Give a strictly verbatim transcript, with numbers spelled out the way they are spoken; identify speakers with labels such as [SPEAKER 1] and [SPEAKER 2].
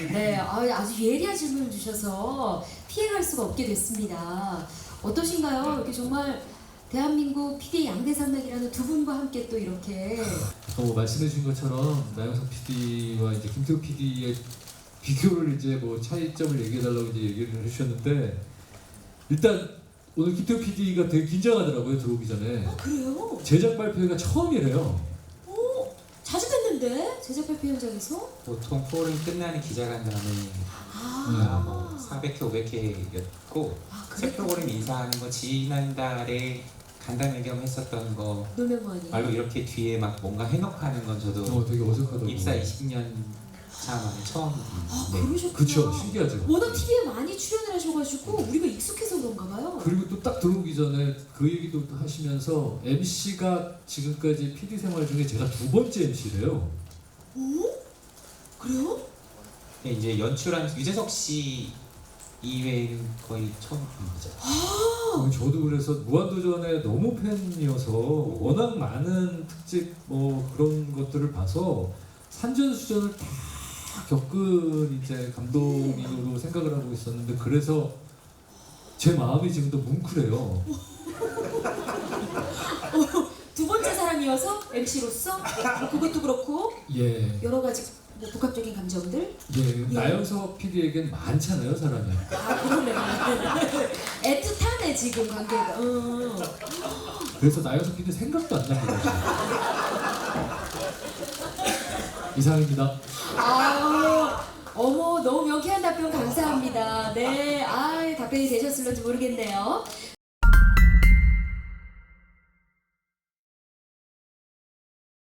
[SPEAKER 1] 네, 아, 아주 예리한 질문을 주셔서 피해갈 수가 없게 됐습니다. 어떠신가요? 이렇게 정말 대한민국 피디 양대산맥이라는 두 분과 함께 또 이렇게
[SPEAKER 2] 또 말씀해 주신 것처럼 나영석 피디와 이제 김태우 피디의 비교를 이제 뭐 차이점을 얘기해 달라고 이제 얘기를 해주셨는데, 일단 오늘 김태우 피디가 되게 긴장하더라고요, 들어오기 전에.
[SPEAKER 1] 아, 그래요?
[SPEAKER 2] 제작 발표회가 처음이래요.
[SPEAKER 1] 오, 자주 뵀는데 제작 발표 현장에서?
[SPEAKER 3] 보통 프로그램 끝나는 기자간담회
[SPEAKER 1] 아,
[SPEAKER 3] 뭐 사백 회, 오백 회였고
[SPEAKER 1] 아,
[SPEAKER 3] 새
[SPEAKER 1] 그래?
[SPEAKER 3] 프로그램 인사하는 거 지난달에 간담회 겸 했었던 거
[SPEAKER 1] 놀면뭐하니?
[SPEAKER 3] 말로 이렇게 뒤에 막 뭔가 해놓고 하는 건 저도
[SPEAKER 2] 어, 되게 어색하더라고요.
[SPEAKER 3] 입사 이십 년 차 만에 처음.
[SPEAKER 1] 아,
[SPEAKER 3] 네.
[SPEAKER 1] 그러셨구나.
[SPEAKER 2] 그쵸, 신기하죠.
[SPEAKER 1] 워낙 티비에 많이 출연을 하셔가지고 우리가 익숙해서 그런가 봐요.
[SPEAKER 2] 그리고 또 딱 들어오기 전에 그 얘기도 하시면서 엠씨가 지금까지 피디 생활 중에 제가 두 번째 엠씨래요.
[SPEAKER 1] 오? 그래요?
[SPEAKER 3] 근데 이제 연출한 유재석 씨 이외에는 거의 처음인 거죠.
[SPEAKER 1] 아,
[SPEAKER 2] 저도 그래서 무한도전에 너무 팬이어서 워낙 많은 특집 뭐 그런 것들을 봐서 산전수전을 다 겪은 이제 감독으로 생각을 하고 있었는데, 그래서 제 마음이 지금도 뭉클해요.
[SPEAKER 1] 어, 두 번째 사람이어서 엠씨로서 뭐 그것도 그렇고
[SPEAKER 2] 예,
[SPEAKER 1] 여러 가지 뭐 복합적인 감정들.
[SPEAKER 2] 예, 나영석 피디에겐 많잖아요, 사람이.
[SPEAKER 1] 아, 그러네. 애틋하네 지금 관계가. 음.
[SPEAKER 2] 그래서 나영석 피디 생각도 안 납니다. 이상입니다.
[SPEAKER 1] 아, 어머, 너무 명쾌한 답변 감사합니다. 네, 아, 답변이 되셨을런지 모르겠네요.